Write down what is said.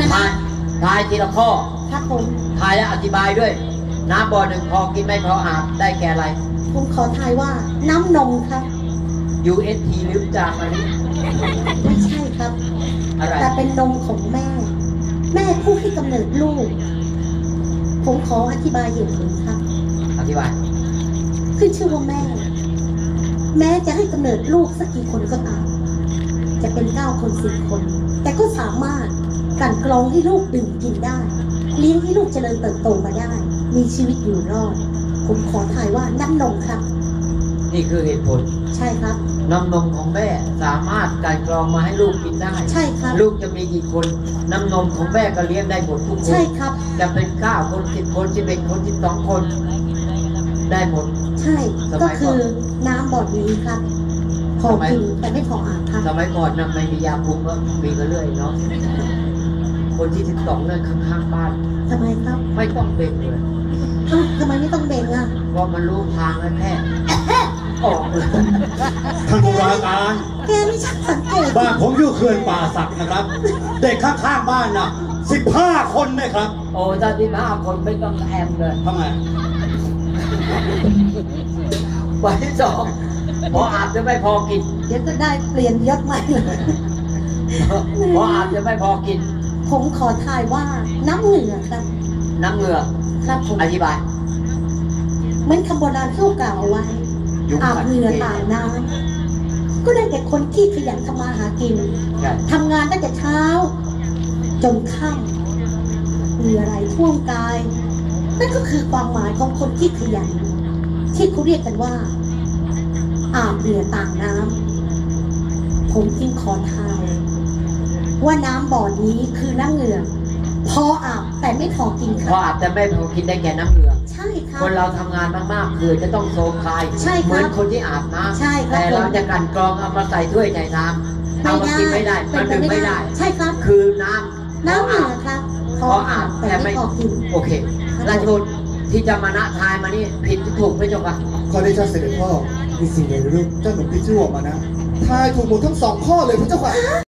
ทายทีละข้อครับผมทายและอธิบายด้วยน้ำบ่อหนึ่งพอกินไม่พออาบได้แก่อะไรผมขอทายว่าน้ำนมครับ UST หรือจากอะไรไม่ใช่ครับอะไรแต่เป็นนมของแม่ผู้ให้กำเนิดลูกผมขออธิบายเหตุผลครับอธิบายขึ้นชื่อว่าแม้จะให้กำเนิดลูกสักกี่คนก็ตามจะเป็น9 คน10 คนแต่ก็สามารถกลั่นกรองให้ลูกดื่มกินได้เลี้ยงให้ลูกเจริญเติบโตมาได้มีชีวิตอยู่รอดผมขอทายว่าน้ำนมครับนี่คือเหตุผลใช่ครับน้ำนมของแม่สามารถกลั่นกรองมาให้ลูกกินได้ใช่ครับลูกจะมีกี่คนน้ำนมของแม่ก็เลี้ยงได้หมดทุกคนใช่ครับจะเป็น9 คน10 คน11 คน12 คนได้หมดใช่ก็คือน้ำบ่อนี้ครับพอกินแต่ไม่พออาบครับสมัยก่อนนะไม่มียาคุมก็มีกันเรื่อยเนาะคนที่12นั่นข้างๆบ้านทำไมครับไม่ต้องเบ่งเลยทำไมไม่ต้องเบ่งอ่ะเพราะมันรู้ทางแล้วแพทย์ออกเลยท่านตุลาการแกไม่ช่างสังเกตบ้านผมอยู่เขื่อนป่าสักนะครับเด็กข้างๆบ้านนะ15 คนนะครับโอ้ถ้า15 คนไม่ต้องแอมเลยทำไมวันที่2พออาบจะไม่พอกินเดี๋ยวก็ได้เปลี่ยนยศใหม่เลยพออาบจะไม่พอกินผมขอทายว่าน้ำเหงื่อครับน้ำเหงื่อครับผมอธิบายเหมือนคำโบราณที่กล่าวเอาไว้อาบเหงื่อต่างน้ำก็ได้แก่คนที่ขยันทำมาหากินทำงานตั้งแต่เช้าจนค่ำเหงื่อไหลท่วมกายนั่นก็คือความหมายของคนที่ขยันที่เขาเรียกกันว่าอาบเหงื่อต่างน้ำผมจึงขอทายว่าน้ำบ่อนี้คือน้ำเหงื่อพออาบแต่ไม่พอกินครับพออาบแต่ไม่พอกินได้แก่น้ำเหงื่อใช่ครับคนเราทำงานมากๆคือจะต้องโซมคายใช่เหมือนคนที่อาบน้ำใช่ครับแต่เราจะกันกรองเอามาใส่ถ้วยใส่น้ำเอามากินไม่ได้มันดื่มไม่ได้ใช่ครับคือน้ำเหงื่อครับพออาบแต่ไม่พอกินโอเคราชบุตรที่จะมาณทายมานี่ผิดถูกไม่จบอ่ะขอได้เจ้าเสด็จพ่อมีสิ่งใดหรือเจ้าหนุ่มที่ชื่อว่ามานะทายถูกหมดทั้ง2 ข้อเลยพระเจ้าค่ะ